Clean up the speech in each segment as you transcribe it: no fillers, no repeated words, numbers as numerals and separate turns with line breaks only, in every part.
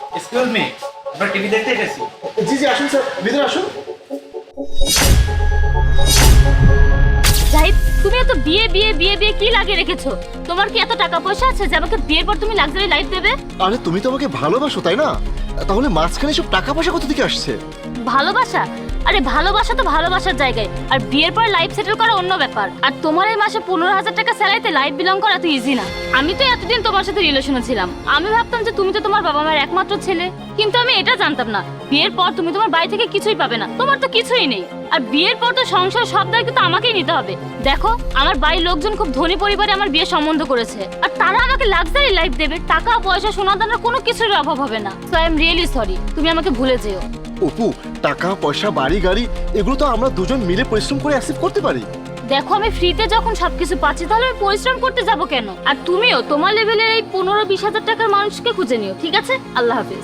Excuse me, আমরা TV দেখতে এসেছি।
জি জি আসুন স্যার, ভিতরে আসুন।
জাহিদ, তুমি এত বিয়ে বিয়ে বিয়ে বিয়ে কি লাগিয়ে রেখেছো? তোমার কি এত টাকা পয়সা আছে যে আমাকে বিয়ের পর তুমি লাক্সারি লাইফ দেবে?
আরে তুমি তো আমাকে ভালোবাসো তাই না? তাহলে মাঝখানে সব টাকা পয়সা কোথা থেকে আসছে?
ভালোবাসা? আরে ভালোবাসা তো ভালোবাসার জায়গায়, আর বিয়ের পর লাইফ সেটেল করা অন্য ব্যাপার। আর তোমার এই মাসে 15,000 টাকা স্যালারিতে লাইফ বিলং করা তো ইজি না। আমি তো এতদিন তোমার সাথে রিলেশনে ছিলাম, আমি ভাবতাম যে তুমি তো তোমার বাবা মায়ের একমাত্র ছেলে, কিন্তু আমি এটা জানতাম না বিয়ের পর তুমি তোমার বাড়ি থেকে কিছুই পাবে না, তোমার তো কিছুই নেই। আর বিয়ের পর তো সংসার সব দায়িত্ব তো আমাকেই নিতে হবে। দেখো, আমার বাড়ির লোকজন খুব ধনী পরিবারে আমার বিয়ে সম্বন্ধ করেছে, আর তারা আমাকে লাক্সারি লাইফ দেবে, টাকা পয়সা সোনা দানার কোনো কিছুর অভাব হবে না। So I am really sorry, তুমি আমাকে ভুলে যেও।
অপু, টাকা পয়সা বাড়ি গাড়ি এগুলো তো আমরা দুজন মিলে পরিশ্রম করে অ্যাকসেপ্ট করতে পারি।
দেখো, আমি ফ্রিতে যখন সবকিছু পাচ্ছি তাহলে আমি পরিশ্রম করতে যাব কেন? আর তুমিও তোমার লেভেলের এই 15-20 হাজার টাকার মানুষকে খুঁজে নিও, ঠিক আছে? আল্লাহ হাফিজ।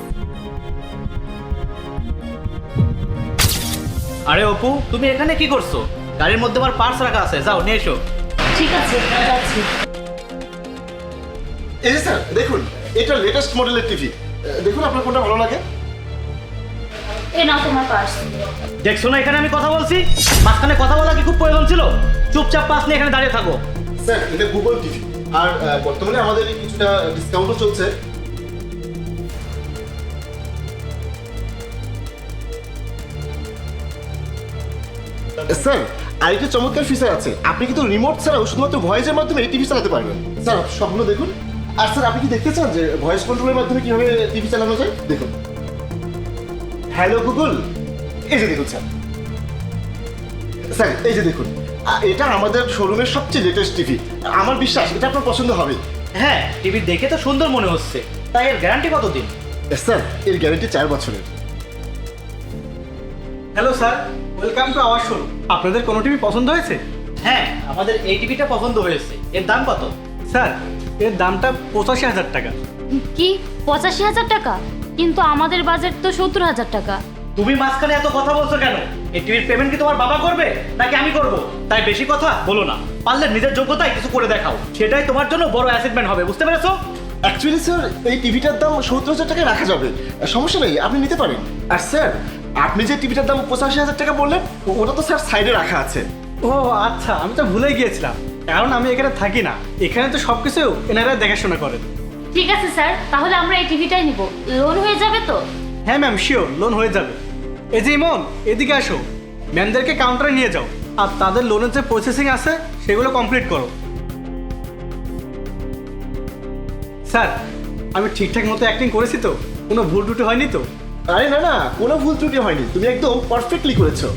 আরে অপু, তুমি এখানে কি করছো? গাড়ির মধ্যে আমার পার্স রাখা আছে, যাও নিয়ে এসো।
ঠিক আছে, যাচ্ছি।
এই যে স্যার দেখুন, এটা লেটেস্ট মডেলের টিভি, দেখুন আপনার কোনটা ভালো লাগে।
এ নাও তোমার পার্স।
দেখছো না এখানে আমি কথা বলছি? মাঝখানে কথা বলা কি খুব প্রয়োজন ছিল? চুপচাপ পাস নিয়ে এখানে দাঁড়িয়ে থাকো।
স্যার এটা গুগল টিভি, আর বর্তমানে আমাদের কিছুটা ডিসকাউন্টও চলছে। স্যার আরেকটা চমৎকার ফিচার আছে, আপনি কিন্তু রিমোট ছাড়াও শুধুমাত্র ভয়েসের মাধ্যমে টিভি চালাতে পারবেন। স্যার স্বপ্ন দেখুন। আর স্যার আপনি কি দেখতে চান যে ভয়েস কন্ট্রোলের মাধ্যমে কিভাবে টিভি চালানো যায়? দেখুন, হ্যালো গুগল, এই যে দেখুন স্যার। স্যার এই যে দেখুন, এটা আমাদের শোরুমের সবচেয়ে লেটেস্ট টিভি, আমার বিশ্বাস এটা আপনার পছন্দ হবে।
হ্যাঁ, টিভি দেখে তো সুন্দর মনে হচ্ছে, তাই এর গ্যারান্টি কতদিন?
স্যার এর গ্যারান্টি 4 বছরের।
Hello sir, welcome to our showroom. আপনাদের কোনো টিভি পছন্দ হয়েছে?
হ্যাঁ, আমাদের এই টিভিটা পছন্দ হয়েছে। এর দাম কত?
স্যার এর দামটা 85,000 টাকা।
কি 85,000 টাকা? কিন্তু আমাদের বাজেট তো 70,000 টাকা।
তুমি মাঝখানে এত কথা বলছো কেন? এই টিভির পেমেন্ট কি তোমার বাবা করবে নাকি আমি করব? তাই বেশি কথা বলো না, পারলে নিজের যোগ্যতায় কিছু করে দেখাও, সেটাই তোমার জন্য বড় অ্যাসেটমেন্ট হবে, বুঝতে পেরেছো?
অ্যাকচুয়ালি স্যার এই টিভিটার দাম 70,000 টাকায় রাখা যাবে, সমস্যা নেই, আপনি নিতে পারেন। আর স্যার আপনি যে টিভিটার দাম 85,000 টাকা বললেন, ওটা তো স্যার সাইডে রাখা আছে।
ও আচ্ছা, আমি তো ভুলে গিয়েছিলাম, কারণ আমি এখানে থাকি না, এখানে তো সব কিছু এনারা দেখাশোনা করেন।
ঠিক আছে স্যার, তাহলে আমরা এই টিভিটাই নিব। লোন হয়ে যাবে তো?
হ্যাঁ ম্যাম, শিওর লোন হয়ে যাবে। এই যে ইমন, এদিকে আসো, ম্যামদেরকে কাউন্টারে নিয়ে যাও, আর তাদের লোনের যে প্রসেসিং আছে সেগুলো কমপ্লিট করো। স্যার আমি ঠিকঠাক মতো অ্যাক্টিং করেছি তো? কোনো ভুল টুটি হয়নি তো?
আরে না না, কোনো ভুল ত্রুটি হয়নি, তুমি একদম পারফেক্টলি করেছো।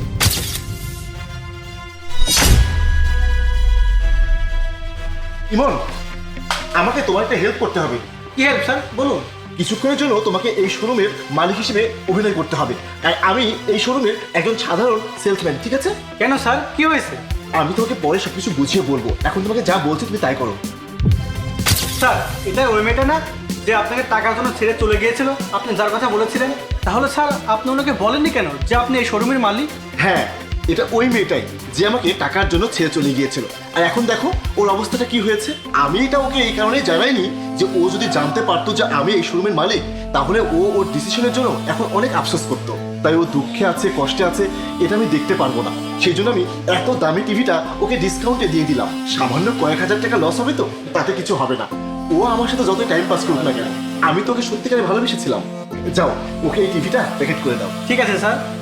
ইমন, আমাকে তোমার একটা হেল্প করতে হবে।
কি হেল্প স্যার, বলুন।
কিছুক্ষণের জন্য তোমাকে এই শোরুমের মালিক হিসেবে অভিনয় করতে হবে, আর আমি এই শোরুমের একজন সাধারণ সেলসম্যান, ঠিক আছে?
কেন স্যার, কি হয়েছে?
আমি তোমাকে পরে সবকিছু বুঝিয়ে বলবো, এখন তোমাকে যা বলছি তুমি তাই করো।
স্যার এটা ওই মেয়েটা না যে আপনাকে টাকার জন্য ছেড়ে চলে গিয়েছিল, আপনি যার কথা বলেছিলেন? তাহলে স্যার আপনি ওনাকে বলেননি কেন যে আপনি এই শোরুমের মালিক?
হ্যাঁ, এটা ওই মেয়েটাই যে আমাকে টাকার জন্য ছেড়ে চলে গিয়েছিল, আর এখন দেখো ওর অবস্থাটা কি হয়েছে। আমি এটা ওকে এই কারণে জানাইনি যে ও যদি জানতে পারতো যে আমি এই শোরুমের মালিক, তাহলে ও ওর ডিসিশনের জন্য এখন অনেক আফসোস করতো। তাই ও দুঃখে আছে, কষ্টে আছে, এটা আমি দেখতে পারবো না, সেই জন্য আমি এত দামি টিভিটা ওকে ডিসকাউন্টে দিয়ে দিলাম। সামান্য কয়েক হাজার টাকা লস হবে তো, তাতে কিছু হবে না। ও আমার সাথে যতই টাইম পাস করুক না কেন, আমি তোকে সত্যিকারে ভালোবেসেছিলাম। যাও ওকে এই টিভিটা প্যাকেট করে দাও।
ঠিক আছে স্যার।